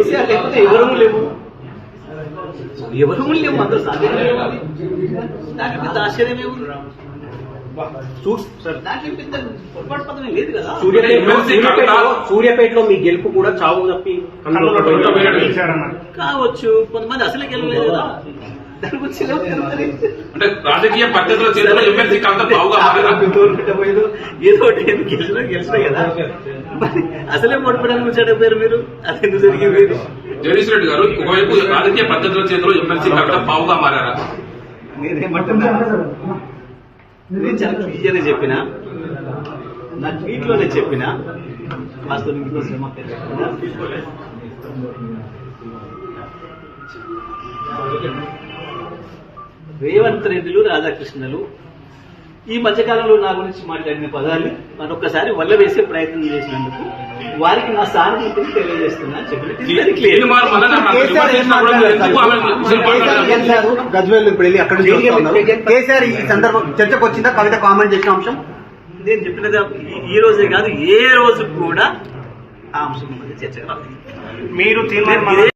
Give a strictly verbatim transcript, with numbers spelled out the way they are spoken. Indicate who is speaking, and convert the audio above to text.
Speaker 1: కేసీఆర్ లేకపోతే ఎవరూ లేవు, ఎవరూ లేవు, అందరూ సాధ్యమే ఉంది. దానికి పెద్ద ఆశ్చర్యమే ఉంది. దాంట్లో పెద్ద పొరపాటు పదమే లేదు కదా.
Speaker 2: సూర్యాపేటలో మీ గెలుపు కూడా చావు తప్పి
Speaker 1: కావచ్చు, కొంతమంది అసలే గెలవలేదు కదా. దాని గురించి
Speaker 3: అంటే రాజకీయ పద్ధతిలో చేతిలో ఎమ్మెల్సీ కాంత బావుగా
Speaker 1: పెట్టబోయేది ఏదో ఒకటి గెలిచినా గెలిచినా కదా. అసలే ఓడిపోవడానికి వచ్చాడపోయారు మీరు, అది ఎందుకు జరిగింది?
Speaker 3: జగదీష్ రెడ్డి గారు ఒకవైపు రాజకీయ పద్ధతిలో చేతిలో ఎమ్మెల్సీ కాంత బావుగా మారారా?
Speaker 1: నేనేమంటున్నా, నేను చాలా క్లియర్గా చెప్పిన, నా ట్వీట్ లోనే చెప్పిన, వాస్తవం ఇంకో శ్రమ రేవంత్ రెడ్డిలు రాధాకృష్ణలు ఈ మధ్యకాలంలో నా గురించి మాట్లాడిన పదాలు మరొకసారి వల్ల వేసే ప్రయత్నం చేసినందుకు వారికి నా సానుభూతిని తెలియజేస్తున్నా చెప్పిన
Speaker 2: గజ్వేల్ ఇప్పుడు వెళ్ళి అక్కడ కేసీఆర్ ఈ సందర్భం చర్చకు వచ్చిందా? కవిత కామెంట్ చేసిన అంశం
Speaker 1: నేను చెప్పినది ఈ రోజే కాదు, ఏ రోజు కూడా ఆ అంశం చర్చకు రాలేదు.
Speaker 2: మీరు